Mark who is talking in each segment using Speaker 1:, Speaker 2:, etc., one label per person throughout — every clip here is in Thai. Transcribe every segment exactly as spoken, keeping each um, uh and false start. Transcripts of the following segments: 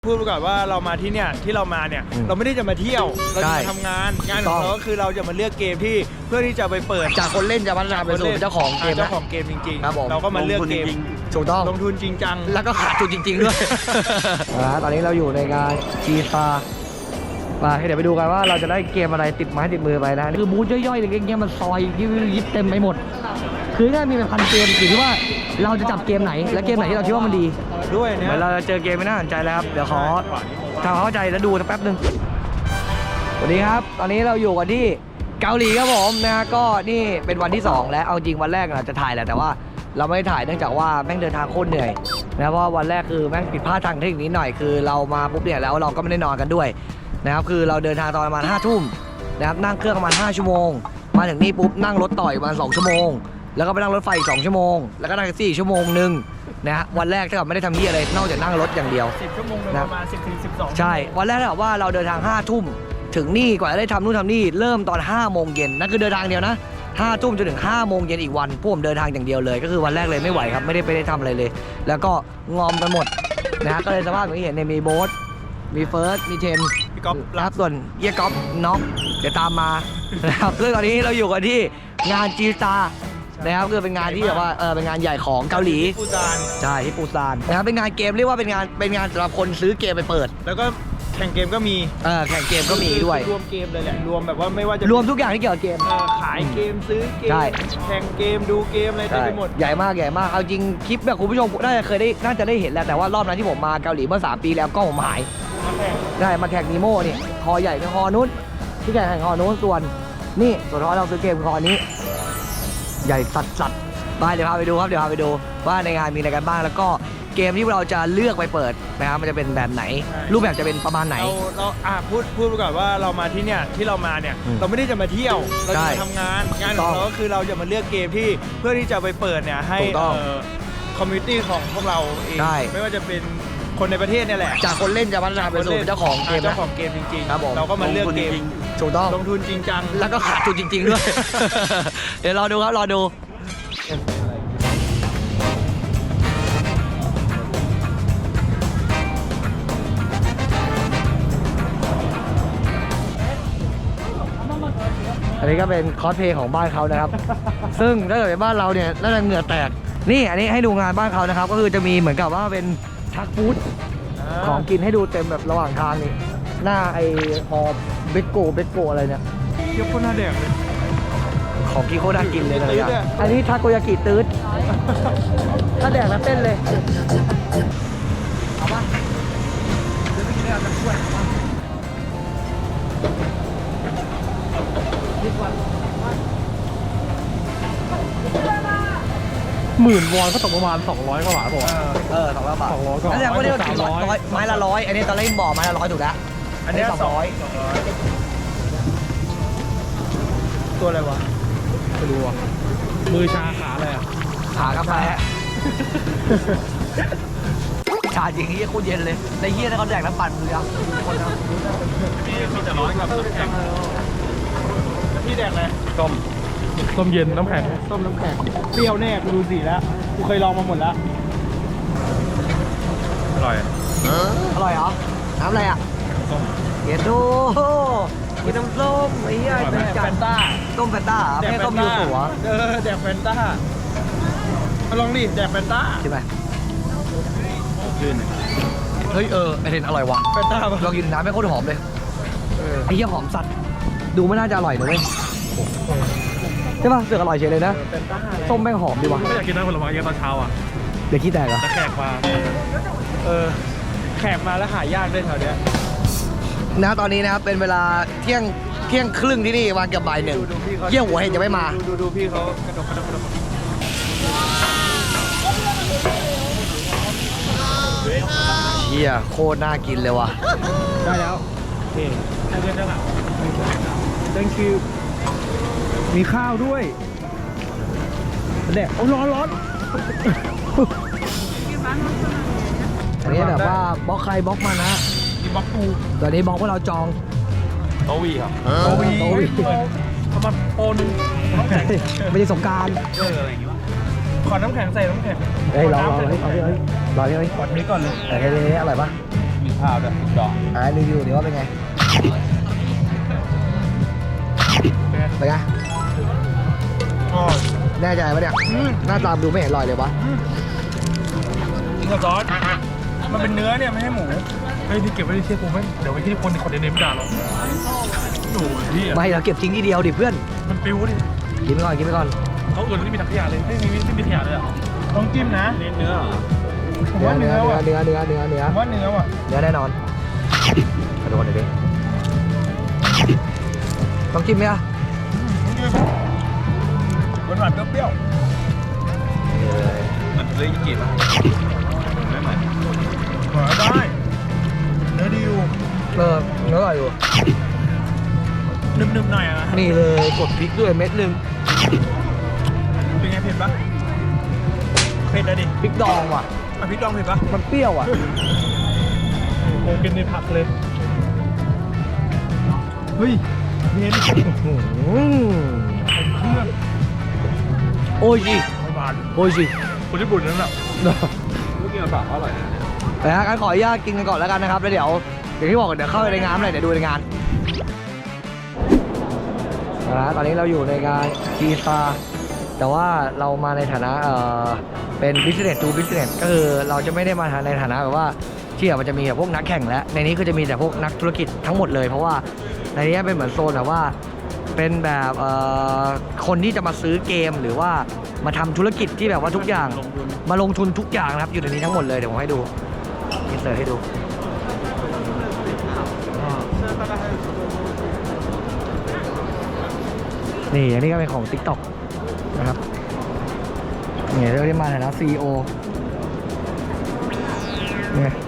Speaker 1: พูดก่อนว่าเรามาที่เนี่ยที่เรามาเนี่ยเราไม่ได้จะมาเที่ยวเราจะมาทำงานงานของเราก็คือเราจะมาเลือกเกมที่เพื่อที่จะไปเปิด
Speaker 2: จากคนเล่นจะพัฒนาไปสู่เจ้าของเกม
Speaker 1: เจ้าของเกมจริง
Speaker 2: ครับผม
Speaker 1: ๆเราก็มาเลือกเกม
Speaker 2: ถูกต้อง
Speaker 1: ลงทุนจริงจัง
Speaker 2: แล้วก็ขาดทุนจริงๆด้วย นะตอนนี้เราอยู่ในงานจีซามาเดี๋ยวไปดูกันว่าเราจะได้เกมอะไรติดไม้ติดมือไปนะคือบูธย่อยๆเล็กๆเงี้ยมันซอยยิบยิบเต็มไปหมดคือง่ายมีเป็นพันเกมอยู่ที่ว่าเราจะจับเกมไหนและเกมไหนที่เราคิดว่ามันดี
Speaker 1: ด้วยเนี่ย
Speaker 2: เหมือนเราจะเจอเกมไม่น่าสนใจแล้วครับเดี๋ยวขอทำความเข้าใจแล้วดูสักแป๊บหนึ่งสวัสดีครับตอนนี้เราอยู่กันที่เกาหลีครับผมนะก็นี่เป็นวันที่สองแล้วเอาจริงวันแรกเราจะถ่ายแหละแต่ว่าเราไม่ได้ถ่ายเนื่องจากว่าแม่งเดินทางโคตรเหนื่อยนะเพราะวันแรกคือแม่งผิดพลาดทางเทคนิคนิดหน่อยคือเรามาปุ๊บเนี่ยแล้วเราก็ไม่ได้นอนกันด้วยนะครับคือเราเดินทางตอนประมาณห้าทุ่มนะครับนั่งเครื่องประมาณห้าชั่วโมงมาถึงนี่ปุ๊บนั่งรถต่อยประมาณสองชั่วโมงแล้วก็ไปนั่งรถไฟอีกสองชั่วโมงแล้วก็นั่งแท็กซี่อีกชั่วโมงนึงนะฮะวันแรกถ้าเกิดไม่ได้ทำที่อะไรนอกจากนั่งรถอย่างเดียว
Speaker 1: สิบชั่วโมงโดยประมาณสิบถึงสิบสอง
Speaker 2: ใช่วันแรกถ้าเกิดว่าเราเดินทางห้าทุ่มถึงนี่กว่าจะได้ทำนู่นทำนี่เริ่มตอนห้าโมงเย็นนั่นคือเดินทางเดียวนะห้าทุ่มจนถึงห้าโมงเย็นอีกวันพวกผมเดินทางอย่างเดียวเลยก็คือวันแรกเลยไม่ไหวครับไม่ได้ไปได้ทำอะไรเลยแล้วก็งอมกันหมดนะฮะก็เลยสภาพอย่างที่เห็นเนี่ยมีโบ๊ทมีเฟิร์สมีเทน
Speaker 1: พี่ก๊อฟ
Speaker 2: ครับส่วนเยี่ยก๊อฟน็อกเดี๋ยวตามมานะครับซึ่งตอนนี้เราอยู่กันที่งานจีซานะครับคือเป็นงานที่แบบว่าเออเป็นงานใหญ่ของเกาหลี
Speaker 1: ปูซาน
Speaker 2: ใช่ที่ปูซานนะครับเป็นงานเกมเรียกว่าเป็นงานเป็นงานสำหรับคนซื้อเกมไปเปิด
Speaker 1: แล้วก็แข่งเกมก็มี
Speaker 2: เออแข่งเกมก็มีด้วย
Speaker 1: รวมเกมเลยแหละรวมแบบว่าไม่ว่าจะ
Speaker 2: รวมทุกอย่างที่เกี่ยวกับเกม
Speaker 1: เอ่อขายเกมซื้อเกม
Speaker 2: ใช่
Speaker 1: แข่งเกมดูเกมอะไรเต็มไปหมด
Speaker 2: ใหญ่มากใหญ่มากเอาจริงคลิปแบบคุณผู้ชมน่าจะเคยได้น่าจะได้เห็นแล้วแต่ว่ารอบนั้นที่ผมมาเกาหลีเมื่อสามปีแล้วกล้องผมหาย
Speaker 1: มาแข่ง
Speaker 2: ได้มาแข่งนีโม่เนี่ยคอใหญ่เป็นคอนู้นที่ใหญ่แข่งคอนู้นส่วนนี่ส่วนคอเราซื้อเกมคอนี้ ใหญ่สัดสัดไปเดี๋ยวพาไปดูครับเดี๋ยวพาไปดูว่าในงานมีอะไรกันบ้างแล้วก็เกมที่เราจะเลือกไปเปิดนะครับมันจะเป็นแบบไหน รูปแบบจะเป็นประมาณไหน
Speaker 1: เราเราอ่ะพูดพูดก่อนว่าเรามาที่เนี่ยที่เรามาเนี่ย
Speaker 2: อืม
Speaker 1: เราไม่ได้จะมาเที่ยวเราจะ
Speaker 2: ใช่
Speaker 1: มาทำงานงานของเราก็คือเราจะมาเลือกเกมที่เพื่อที่จะไปเปิดเนี่ยให้
Speaker 2: ถูกต้อง
Speaker 1: คอมมูนิตี้ของพวกเราเอง
Speaker 2: ใช่
Speaker 1: ไม่ว่าจะเป็นคนในประเทศเนี่ยแหละ
Speaker 2: จากคนเล่นจะพัฒนาไปสู่เจ้าของเกม
Speaker 1: เจ้า
Speaker 2: นะ
Speaker 1: ของเกมจริง
Speaker 2: ครับผม
Speaker 1: เราก็มาเลือกเกม
Speaker 2: ถูกต้อง
Speaker 1: ลงทุนจริงจัง
Speaker 2: แล้วก็ขาดทุนจริงๆด้วย เดี๋ยวรอดูครับรอดูอันนี้ก็เป็นคอสเพลย์ของบ้านเขานะครับ ซึ่งถ้าเกิดเป็นบ้านเราเนี่ยน่าจะเหงื่อแตกนี่อันนี้ให้ดูงานบ้านเขานะครับก็คือจะมีเหมือนกับว่าเป็นทักฟู้ดของกินให้ดูเต็มแบบระหว่างทางนี่หน้าไอฮอเบโกเบโกอะไรเนี่ย
Speaker 1: เทียบคนหน้าแดงเลย
Speaker 2: ของกินโคตรน่ากินเลยนะ
Speaker 1: ตื้อเนี่ย
Speaker 2: อันนี้ทาโกยากิตืดถ้าแดกแล้วเต้นเลยเอาปะเดี๋ยวไปกินได้เอาจะช่วย
Speaker 3: หมื่นวอนก็ตกประมาณสองร้อยกว่าบาทป่ะวะ
Speaker 2: เออสองร้อยบาท
Speaker 3: สองร้อยกว่า
Speaker 2: แล้วแสดงว่าเนี่ยมัน
Speaker 3: สามร้อย
Speaker 2: ร้อยไม้ละร้อยอันนี้ตอนแรกบอกไม้ละร้อยถูกแล้ว
Speaker 1: อันเนี้ย
Speaker 2: สองร้อย
Speaker 1: สองร้อยตัวอะไรวะ
Speaker 3: ไม่รู้อ่ะมือชาขาอะไรอ่ะ
Speaker 2: ขากาแฟชาจริงเฮียโคตรเย็นเลยในเฮียถ้าเขาแดกน้ำปั่นมืออ่ะคนนะ
Speaker 1: มีมีแต่ร้อนกับน้ำแข็งพี่แดกอะไร
Speaker 3: ต้มต้มเย็นน้ำแข็ง
Speaker 1: ต้มน้ำแข็งเปรี้ยวแน่กูดูสีแล้วกูเคยลองมาหมดแล้ว
Speaker 3: อร่อย
Speaker 2: อร่อยเหรอน้ำอะไรอ่ะ
Speaker 3: ต้ม
Speaker 2: เย็นดูกินน้ำส้มไอ้เหี้ย
Speaker 3: อร่อยไหม
Speaker 2: จั
Speaker 1: แฟ
Speaker 2: ด
Speaker 1: นต้า
Speaker 2: ต้มแฟนต้าเหรอ
Speaker 1: แดก
Speaker 2: ไม่
Speaker 1: แฟ
Speaker 2: ต้ม
Speaker 1: น
Speaker 2: ยู
Speaker 1: ต้า
Speaker 2: สุเหรอ
Speaker 1: เออแดกแฟนต้ามาลองดิแดกแฟนต้า
Speaker 2: ใช่ไหม
Speaker 3: ลื่น
Speaker 2: เฮ้ยเออไอเทนอร่อยว่ะ
Speaker 1: แฟนต้าปะ
Speaker 2: ลองกินน้ำไม่โคตรหอมเลย
Speaker 1: เออ
Speaker 2: ไอ้เหี้ยหอมสัตว์ดูไม่น่าจะอร่อยนะเว้ยใช่ป่ะเสือกอร่อยเฉยเลยนะ
Speaker 1: แฟนต้า
Speaker 2: ส้มแม่งหอมดีว่ะ
Speaker 3: ไม่อยากกินน้ำผลไม้เยอะตอนเช้าอ่ะ
Speaker 2: เดี๋ยวขี้แตกเหรอ
Speaker 3: แต่แขกมา
Speaker 1: เออแขกมาแล้วหายากด้วยแถวเนี้ย
Speaker 2: นะตอนนี้นะครับเป็นเวลาเที่ยงเที่ยงครึ่งที่นี่วันเกือบบ่ายหนึ่ง
Speaker 1: ดูดูพี่เขา
Speaker 2: เที่ยงหัวเห็นจะไม่มา
Speaker 1: ดูดูดูพี่เขากระดกกระดกกระดก
Speaker 2: เชี่ยโคตรน่ากินเลยว่ะ
Speaker 1: ได้แล้วโอเคให้เพื่อนด้านหลัง thank you มีข้าวด้วยแดกโอ้ร้อนร้อน
Speaker 2: อันนี้แบบว่าบล็อกใครบล็อกมันนะ
Speaker 1: มีบล็อกปู
Speaker 2: ตอนนี้บล็อกว่าเราจอง
Speaker 3: โตวีครับ
Speaker 2: โตวีโตวี
Speaker 1: เอามาโปนน้ำแข็ง
Speaker 2: ไม่ใช่สงกราร
Speaker 3: เอออะไรอย่างงี้วะ
Speaker 1: ขอน้ำแข็งใส่น้ำแข็ง
Speaker 2: เฮ้ยรอรอเฮ้ยเอาเฮ้ยรอเฮ้ย
Speaker 1: กดนี้ก่อนเลย
Speaker 2: เฮ้ยเฮ้ยอร่อยปะ
Speaker 3: มข้าวด้วยดอก
Speaker 2: อ่ารีวิวเดี๋ยวว่าเป็นไงเป็นไงแน่ใจปะเนี่ยหน้าตามดูไม่เห็นรอยเลยวะ
Speaker 3: กินกับซอสมันเป็นเนื้อเนี่ยไม่ใช่หมูเฮ้ยที่เก็บไว้ที่เชี่ยกูไม่เดี๋ยวไปที่คนคนเดนเนมด่าเราโอ้ยพี่
Speaker 2: ไม่เราเก็บทิ้งทีเดียวดิเพื่อน
Speaker 3: มันปิ้วดิ
Speaker 2: กินไปก่อนกินไปก่อน
Speaker 3: เขาอื่นไม่มีถังขยะเลยไม่มีไม่มีขยะเลยอ่ะต้องจิ้มนะเนื้อเนื้อ
Speaker 2: เนื้อเนื้อเนื้อเนื้อเนื้อเนื้อ
Speaker 3: ว่าเนื้อว่ะ
Speaker 2: เนื้อแน่นอนกระโดดเลยดิต้องกินไหมอ่ะ
Speaker 3: หวานหวานเปรี้ยวเหมือนเลยยี่กี่ป่ะไม่เหมือนหวานได้เนื้อดีอยู่
Speaker 2: เออเนื้ออร่อยอยู่
Speaker 3: นุ่มๆหน่อยอ่ะ
Speaker 2: นี่เลยกดพริกด้วยเม็ดหนึ่ง
Speaker 3: เป็นไงเผ็ดปะเผ็ดนะดิ
Speaker 2: พริกดองว่ะ
Speaker 3: อ่ะพริกดองเผ็ดปะ
Speaker 2: มันเปรี้ยวอ่ะ
Speaker 3: โอ้กินในผักเลยเฮ้ยเผ็ด
Speaker 2: อืมโอ้ยสิ
Speaker 3: ไม่หวาน
Speaker 2: โอ้ยสิ
Speaker 3: คนญี่ปุ่นนั่นแหละลูกกินกับผักอร่อยนะ
Speaker 2: แต่ฮะงั้นขออนุญาตกินกันก่อนแล้วกันนะครับแล้วเดี๋ยวเดี๋ยวที่บอกเดี๋ยวเข้าไปในงานเลยเดี๋ยวดูในงานนะตอนนี้เราอยู่ในงานกีซาแต่ว่าเรามาในฐานะเอ่อเป็น business to business ก็คือเราจะไม่ได้มาในฐานะแบบว่าที่แบบมันจะมีแบบพวกนักแข่งและในนี้ก็จะมีแต่พวกนักธุรกิจทั้งหมดเลยเพราะว่าในนี้เป็นเหมือนโซนแบบว่าเป็นแบบเอ่อคนที่จะมาซื้อเกมหรือว่ามาทำธุรกิจที่แบบว่าทุกอย่างมาลงทุนทุกอย่างนะครับอยู่ในนี้ทั้งหมดเลยเดี๋ยวผมให้ดูอินเสิร์ตให้ดูนี่อันนี้ก็เป็นของ TikTok นะครับนี่เรียกได้มาในฐานะ ซี อี โอ นี่นะ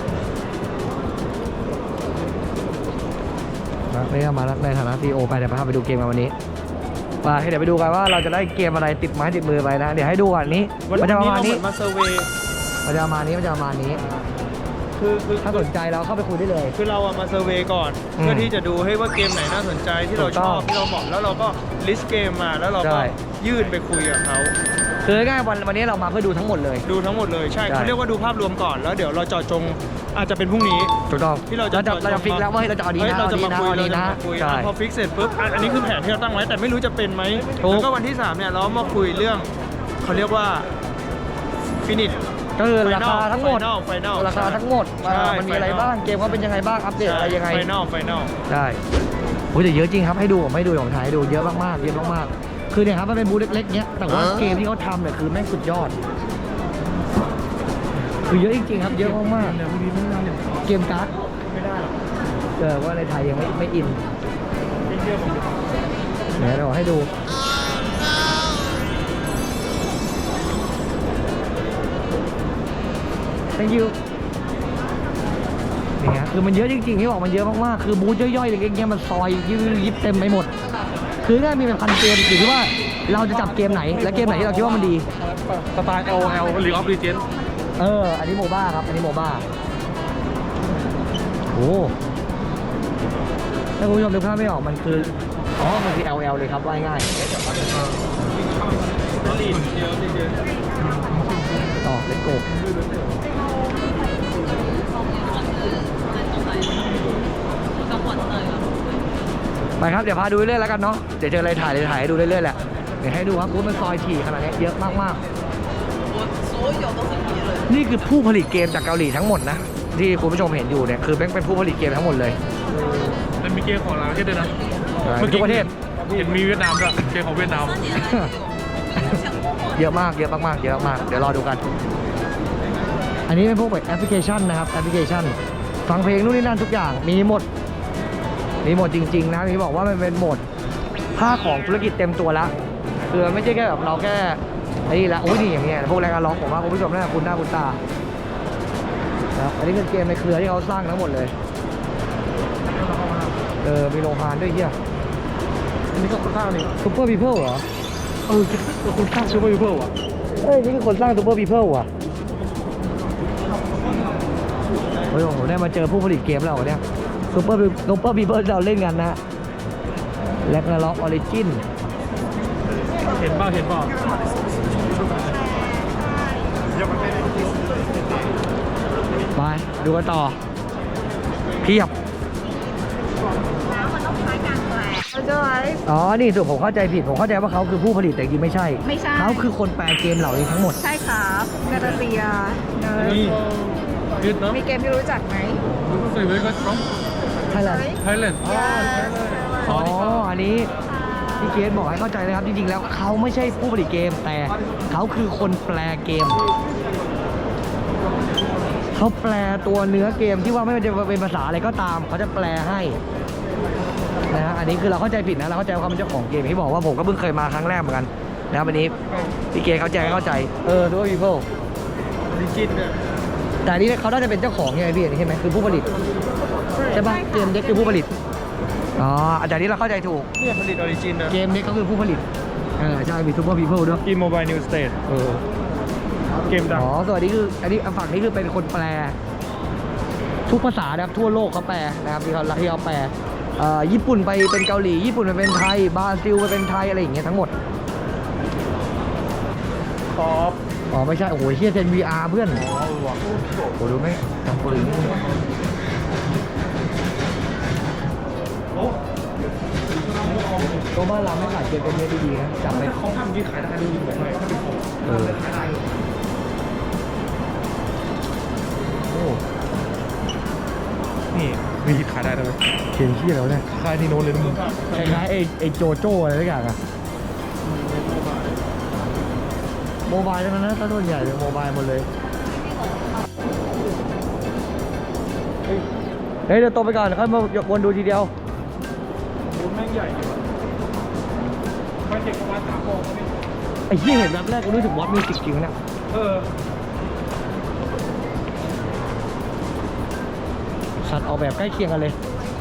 Speaker 2: นี่ก็มาในฐานะ ซี อี โอ ไปเดี๋ยวพาไปดูเกมกันวันนี้ไปเดี๋ยวไปดูกันว่าเราจะได้เกมอะไรติดไม้ติดมือไปนะเดี๋ยวให้ดูก่อนนี้มันจะประมาณนี้
Speaker 3: มาเซอร์เวย์
Speaker 2: มันจะประมาณนี้มันจะประมาณนี้
Speaker 3: คือคือ
Speaker 2: ถ้าสนใจเราเข้าไปคุยได้เลย
Speaker 3: คือเราอะมาเซอร์เวย์ก่อน
Speaker 2: อืม
Speaker 3: เพื่อที่จะดูให้ว่าเกมไหนน่าสนใจที่เรา
Speaker 2: ถูก
Speaker 3: ช
Speaker 2: ต้อง
Speaker 3: อบที่เราเหมาะแล้วเราก็ลิสต์เกมมาแล้วเรา
Speaker 2: ใช่
Speaker 3: ก็ยื่นไปคุยกับเขา
Speaker 2: คือง่ายๆวันวันนี้เรามาเพื่อดูทั้งหมดเลย
Speaker 3: ดูทั้งหมดเลยใช่
Speaker 2: ใช่
Speaker 3: เขาเรียกว่าดูภาพรวมก่อนแล้วเดี๋ยวเราเจาะจงอาจจะเป็นพรุ่งนี้
Speaker 2: ถูกต้อง
Speaker 3: ที่เราจะ
Speaker 2: เราจะเราจะฟิกแล้วว่าเฮ้ยเราจะเอาดี
Speaker 3: เฮ้ย
Speaker 2: นะ
Speaker 3: เรา
Speaker 2: เอา
Speaker 3: จะ
Speaker 2: ดี
Speaker 3: มา
Speaker 2: นะ
Speaker 3: คุย
Speaker 2: เอา
Speaker 3: เรา
Speaker 2: ดี
Speaker 3: จะ
Speaker 2: นะ
Speaker 3: มาคุย
Speaker 2: ใช่
Speaker 3: อ่ะพอฟิกเสร็จปุ๊บอันอันนี้คือแผนที่เราตั้งไว้แต่ไม่รู้จะเป็นไหม
Speaker 2: ถูก
Speaker 3: แล้วก็วันที่สามเนี่ยเรามาคุยเรื่องเขาเรียกว่าฟินิช
Speaker 2: ก็คือราคาทั้งหมด
Speaker 3: ไฟนอล
Speaker 2: ราคาทั้งหมด
Speaker 3: ใช่
Speaker 2: ว่ามันมีอะไร
Speaker 3: final
Speaker 2: บ้างเกมเขาเป็นยังไงบ้างอัปเดตอะไรยังไง
Speaker 3: ไฟนอลไฟนอล
Speaker 2: ใช่โอ้ยแต่เยอะจริงครับให้ดูผมให้ดูของถ่ายให้ดูเยอะมากๆเยอะมากๆคือเนี่ยครับมันเป็นบูธเล็กๆเนี้ยแต่ว่าเกมที่เขาทำเนี่ยคือแม่งสุดยอดคือเยอะจริงๆครับเยอะมาก
Speaker 3: เดี๋ยวพรุ่งนี้ไม่ได้เดี๋ยว
Speaker 2: ๆเกมการ์ด
Speaker 3: ไม่ได้หรอก
Speaker 2: เออว่าในไทยยังไม่ไม่อิน
Speaker 3: เชื่อผมดิ
Speaker 2: เดี๋ยวเราให้ดูthank you นี่ฮะคือมันเยอะจริงๆที่บอกมันเยอะมากๆคือบูธย่อยๆเล็กๆเงี้ยมันซอยยิบยิบเต็มไปหมดคือง่ายมีเป็นพันเกมอยู่ที่ว่าเราจะจับเกมไหนและเกมไหนที่เราคิดว่ามันดี
Speaker 3: สไตล์ L O L League of Legends
Speaker 2: เอออันนี้โมบ้าครับอันนี้โมบ้าโอ้ถ้าคุณผู้ชมนึกภาพไม่ออกมันคืออ๋อมันคือ แอล แอล เลยครับว่าง่ายๆต่อเลตโกไปครับเดี๋ยวพาดูเรื่อยๆแล้วกันเนาะเดี๋ยวเจออะไรถ่ายเลยถ่ายให้ดูเรื่อยๆแหละเดี๋ยวให้ดูครับว่ามันซอยถี่ขนาดนี้เยอะมากๆนี่คือผู้ผลิตเกมจากเกาหลีทั้งหมดนะที่คุณผู้ชมเห็นอยู่เนี่ยคือเป็นผู้ผลิตเกมทั้งหมดเลย
Speaker 3: มันมีเกมของหลายประเทศด้วยนะ
Speaker 2: ทุกประเทศ
Speaker 3: เห็นมีเวียดนามด้วยเกมของเวียดนาม
Speaker 2: เยอะมากเยอะมากๆเยอะมากๆเดี๋ยวรอดูกัน อันนี้เป็นพวกแบบแอปพลิเคชันนะครับแอปพลิเคชันฟังเพลงนู่นนี่นั่นทุกอย่างมีหมดมีหมดจริงๆนะมีบอกว่ามันเป็นโหมดภาคของธุรกิจเต็มตัวแล้วคือไม่ใช่แค่แบบเราแค่ไอ้นี่ละโอ้ยนี่อย่างเงี้ยพวกแรงงานร้องผมว่าคุณผู้ชมน่าคุณหน้าคุณตานะครับอันนี้เป็นเกมในเครือที่เขาสร้างทั้งหมดเลยเออมีโรงงานด้วยเฮีย
Speaker 3: อันนี้ก็ค่อนข้างนี่
Speaker 2: ซูเปอร์พีเพิลเหรอ
Speaker 3: เออคุณข้างซูเปอร์ยูเพิลอ่ะ
Speaker 2: เอ้ยนี่คือคนสร้างซูเปอร์พีเพิลว่ะโอ้ยผมได้มาเจอผู้ผลิตเกมแล้วเนี่ยซูเปอร์ซูเปอร์พีเพิลเราเล่นกันนะแลกนาล็อกออริจิน
Speaker 3: เห็นบ้างเห็นบ้าง
Speaker 2: ไปดูกันต่อเพียบ อ๋อ นี่สุดผมเข้าใจผิด ผมเข้าใจว่าเขาคือผู้ผลิตแต่จริงไม่ใช่
Speaker 4: ไม่ใช่
Speaker 2: เขาคือคนแปลเกมเหล่านี้ทั้งหมด
Speaker 4: ใช่ครับนาตาเซียเนอ
Speaker 3: นี่
Speaker 4: ร์
Speaker 3: เวียดนาม
Speaker 4: มีเกมที่รู้จักไหม
Speaker 3: ใส่ไว้ก็from
Speaker 2: ใช่เลย
Speaker 3: Thailand
Speaker 2: อ๋อ อันนี้พี่เกสบอกให้เข้าใจนะครับ จริงๆ แล้วเขาไม่ใช่ผู้ผลิตเกม แต่เขาคือคนแปลเกม เขาแปลตัวเนื้อเกมที่ว่าไม่ว่าจะเป็นภาษาอะไรก็ตาม เขาจะแปลให้นะฮะอันนี้คือเราเข้าใจผิดนะ เราเข้าใจว่าเขาเป็นเจ้าของเกมที่บอกว่าผมก็เพิ่งเคยมาครั้งแรกเหมือนกันนะครับวันนี้พี่เกสเขาแจ้งให้เข้าใจ เออดูว่าพีเพิล
Speaker 3: ดิจิตเนี่ย
Speaker 2: แต่อันนี้เขาน่าจะเป็นเจ้าของใช่ไหมพี่อันนี้ใช่ไหมคือผู้ผลิตใช่ปะเกมเด็กคือผู้ผลิตอ๋ออาจารย์นี้เราเข้าใจถูก
Speaker 3: เนี่ยผลิตออริจินนะ
Speaker 2: เกมเด็กก็คือผู้ผลิตเออใช่มีซูเปอร์พีเพิลด้วย
Speaker 3: กีโมบายนิวสเตท
Speaker 2: เออ
Speaker 3: เกมดัง
Speaker 2: อ๋อสวัสดีคืออันนี้ฝั่งนี้คือเป็นคนแปล ทุกภาษานะครับทั่วโลกเขาแปลนะครับที่เขาที่เขาแปลเอ่อญี่ปุ่นไปเป็นเกาหลีญี่ปุ่นไปเป็นไทยบราซิลไปเป็นไทยอะไรอย่างเงี้ยทั้งหมด
Speaker 3: คอฟ
Speaker 2: อ๋อไม่ใช่โอ้โหเฮียเซน วี อาร์ เพื่อน
Speaker 3: อ๋อเออว่ะ
Speaker 2: โอ้ดูไหมจำปืนนี่ตัวบ้านเราไม่ขายเกมเป็นเนื้อดีๆนะจำไว้
Speaker 3: เขาทำที่ขายได้ดูดีกว่าไหมถ้าเป็นของ
Speaker 2: เออโอ้
Speaker 3: นี่มีที่ขายได้เลย
Speaker 2: เขียนชื่อแล้วเนี่ย
Speaker 3: ขายที่โน้นเลยนะมึง
Speaker 2: คล้ายๆไอ้ไอ้โจโจ้อะไรทุกอย่างอะโมบายใช่ไหมนะถ้าส่วนใหญ่เป็นโมบายหมดเลยเฮ้ยเดี๋ยวโตไปก่อนค่อยมาวนดูทีเดียว
Speaker 3: บูธแม่งใหญ่ดีว่ะมันเด็กประมาณสามโมงนี่
Speaker 2: ไอ้ที่เห็นแบบแรกก็รู้สึกวอตมีสิกจริงๆนะ
Speaker 3: เออ
Speaker 2: สัตว์ออกแบบใกล้เคียงกันเลย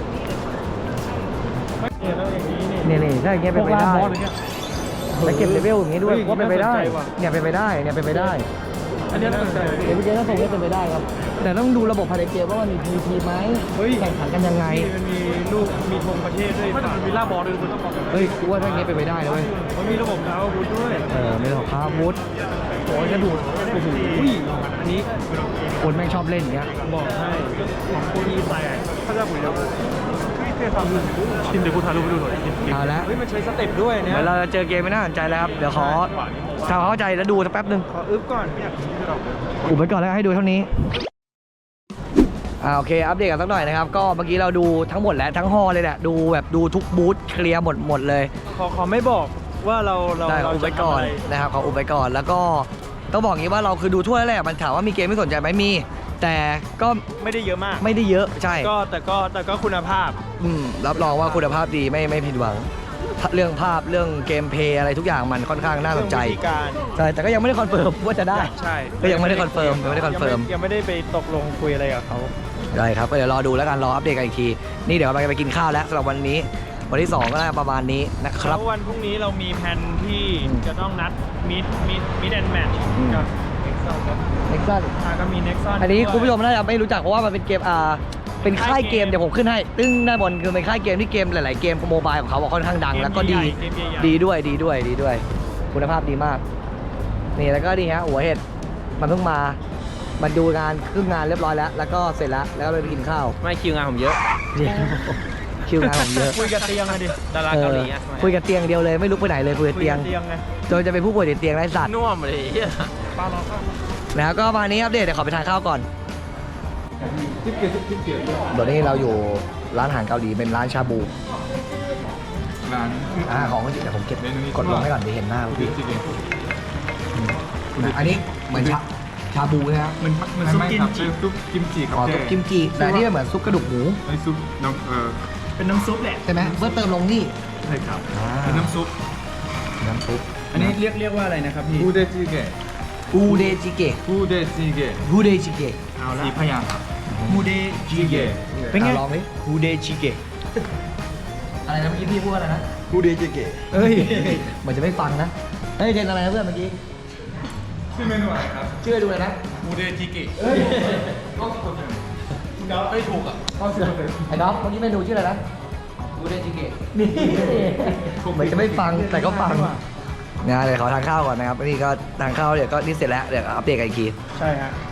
Speaker 3: ไม่เนี่ยแล้วอย่างนี้นี่
Speaker 2: เนี่ยๆถ้าอย่างเงี้ยเป็นไปได้
Speaker 3: พวกร้านบอสอะไรเงี้ย
Speaker 2: แล้วเก็บเลเวลอย่างงี้ด้วย
Speaker 3: เฮ้ย
Speaker 2: ว่าเป็นไปได้
Speaker 3: น่าสนใจว่ะ
Speaker 2: เนี่ยเป็นไปได้เนี่ยเป็นไปได้
Speaker 3: อันนี้น่าสนใจ
Speaker 2: เดี๋ยวพี่เจต้องส่งให้เป็นไปได้ครับ แต่ต้องดูระบบภายในเกมว่ามันมีพีพีไหม
Speaker 3: เฮ้ย
Speaker 2: แข่งขันกันยังไง
Speaker 3: นี่มันมีลูกมีธงประเทศด้วยมันมีล่าบอลด้วยคุณต้องบอก
Speaker 2: เฮ้ยกูว่าถ้าอย่างเงี้ยเป็นไปได้นะเว้ย
Speaker 3: มันมีระบบดาวบูธด้วย
Speaker 2: เออไม่ต้องค้าวุธโอ้ยกระดูดโอ้โห
Speaker 3: อุ้ยอันนี้
Speaker 2: คนแม่งชอบเล่นอย่างเงี้ย
Speaker 3: บอกให้ของโคอีแตกถ้าจะปุ๋ยแล้วเท่ทำชินเดี๋ยวกูถ่ายรูปไปดูหน่อย
Speaker 2: เอาละ
Speaker 3: เฮ้ยมันใช้สเต็ปด้วยเนี่ย
Speaker 2: เดี๋ยวเราจะเจอเกมไม่น่าสนใจแล้วครับ เดี๋ยวขอทำความเข้าใจแล้วดูสักแป๊บหนึ่ง
Speaker 3: ขออึ๊บก่อนเนี่ย
Speaker 2: อุบไว้ก่อนแล้วให้ดูเท่านี้อ่าโอเคอัปเดตกันสักหน่อยนะครับ ก็เมื่อกี้เราดูทั้งหมดแล้วทั้งฮอลเลยแหละดูแบบดูทุกบูธเคลียร์หมดหมดเลย
Speaker 3: ขอขอไม่บอกว่าเราเรา
Speaker 2: ได้ขอ
Speaker 3: เรา
Speaker 2: อุบ
Speaker 3: จะ
Speaker 2: ไว้ก่อน
Speaker 3: ทำอะไร
Speaker 2: นะครับขออุบไว้ก่อนแล้วก็ต้องบอกอย่างนี้ว่าเราคือดูทั่วแล้วแหละมันถามว่ามีเกมไม่สนใจไหมมี แต่ก็
Speaker 3: ไม่ได้เยอะมาก
Speaker 2: ไม่ได้เยอะใช่
Speaker 3: ก็แต่ก็แต่ก็คุณภาพ
Speaker 2: อืมรับรองว่าคุณภาพดีไม่ไม่ผิดหวัง เรื่องภาพเรื่องเกมเพลย์อะไรทุกอย่างมันค่อนข้างน่าสนใจ
Speaker 3: เรื่องวิธีการ
Speaker 2: ใช่แต่ก็ยังไม่ได้คอนเฟิร์มว่าจะได้
Speaker 3: ใช่
Speaker 2: ก็ยังไม่ได้คอนเฟิร์มยังไม่ได้คอนเฟิร์ม
Speaker 3: ยังไม่ได้ไปตกลงคุยอะไรกับเขา
Speaker 2: ได้ครับก็เดี๋ยวรอดูแล้วกันรออัปเดตกันอีกทีนี่เดี๋ยวเราจะไปกินข้าวแล้วสำหรับวันนี้วันที่สองก็น่าประมาณนี้นะครับ
Speaker 3: แล้ววันพรุ่งนี้เรามีแผนที่
Speaker 2: อืม
Speaker 3: จะต้องนัดมิดมิดมิดแอนด์แมท
Speaker 2: อืม
Speaker 3: กับเน็กซัน
Speaker 2: เน็กซัน
Speaker 3: อ่าก็มีเน็กซัน
Speaker 2: อันนี้คุณผู้ชมน่าจะไม่รู้จักเพราะว่ามันเป็นเกมอ่าเป็นค่ายเกมเดี๋ยวผมขึ้นให้ตึ้งด้านบนคือเป็นค่ายเกมที่เกมหลาย ๆ เกมโมบายของเขาอะค่อนข้างดังแล้วก็ดีดีด้วยดีด้วยดีด้วย คุณภาพดีมาก นี่แล้วก็นี่ฮะหัวเห็ดมันเพิ่งมามันดูงานครึ่งงานเรียบร้อยแล้ว แล้วก็เสร็จแล้วแล้วก็เลยไปกินข้าว
Speaker 3: ไม่คิวงานผมเยอะ
Speaker 2: เดี๋ยวคิวงานผมเยอะ
Speaker 3: คุยกับเตียงอะดิดารา
Speaker 2: เอ
Speaker 3: เกา
Speaker 2: อ
Speaker 3: หลีอะ
Speaker 2: คุยกับเตียงเดียวเลยไม่ลุกไปไหนเลยคุยกับ
Speaker 3: คุย
Speaker 2: เตียง
Speaker 3: กับเตียงไง
Speaker 2: จนจะเป็นผู้ป่วยติดเตียงไร้สัตว์
Speaker 3: น่วมเลยป้ารอข้าว
Speaker 2: แล้วก็มานี้อัปเดตเดี๋ยวขอไปทานข้าวก่อน
Speaker 3: ทิปเกียร์ทิปเกียร์
Speaker 2: เดี๋ยวนี้เราอยู่ร้านอาหารเกาหลีเป็นร้านชาบู
Speaker 3: ร้าน
Speaker 2: อ่าของก็จริงแต่ผมเก็บ
Speaker 3: เมนูนี้
Speaker 2: กดลงให้ก่อนเดี๋ยวเห็นหน้า
Speaker 3: ทิ
Speaker 2: พี่
Speaker 3: ปเกียร์
Speaker 2: นะอันนี้เหมือนชาชาบูนะครับ
Speaker 3: มันมันซุปกิมจิซุปกิมจิครั
Speaker 2: อ๋อซุปกิมจิแต่อันนี่เหมือนซุปกระดูกหมู
Speaker 3: ไอซุปน้ำเออเป็นน้ำซุปแหละ
Speaker 2: ใช่ไหมเพื่อเติมลงนี่
Speaker 3: ใช่ครับ
Speaker 2: อ่า
Speaker 3: เป็นน้ำซุป
Speaker 2: น้ำซุป
Speaker 3: อันนี้เรียกเรียกว่าอะไรนะครับพี่บูเดจิเกะ
Speaker 2: อูเดจิเกะ
Speaker 3: บูเดจิเกะ
Speaker 2: อูเดจิเกะ
Speaker 3: เอาละสีพยางค์ครับบูเดจิเกะ
Speaker 2: เป็นไงลองดิ
Speaker 3: บูเดจิเกะ
Speaker 2: อะไรนะเมื่อกี้พี่พูดอะไรนะ
Speaker 3: บูเดจิเกะ
Speaker 2: เอ้ยเหมือนจะไม่ฟังนะเฮ้ยเทนอะไรนะเพื่อนเมื่อกี้
Speaker 3: ชื่อเมนูอะไรครับ
Speaker 2: ชื่อดูเลยนะ
Speaker 3: บูเดจิเกะ
Speaker 2: เอ้ย
Speaker 3: ก็คนเดียวคุณเดาไม่ถูกอ่ะ
Speaker 2: ไอ้น้องเมื่อกี้เมนูชื่ออะไรนะอูเดจิเกะนี่เหมือนจะไม่ฟังแต่ก็ฟังนะเดี๋ยวขอทานข้าวก่อนนะครับนี่ก็ทานข้าวเดี๋ยวก็นี่เสร็จแล้วเดี๋ยวอัปเดตกันอีกที
Speaker 3: ใช่ฮะ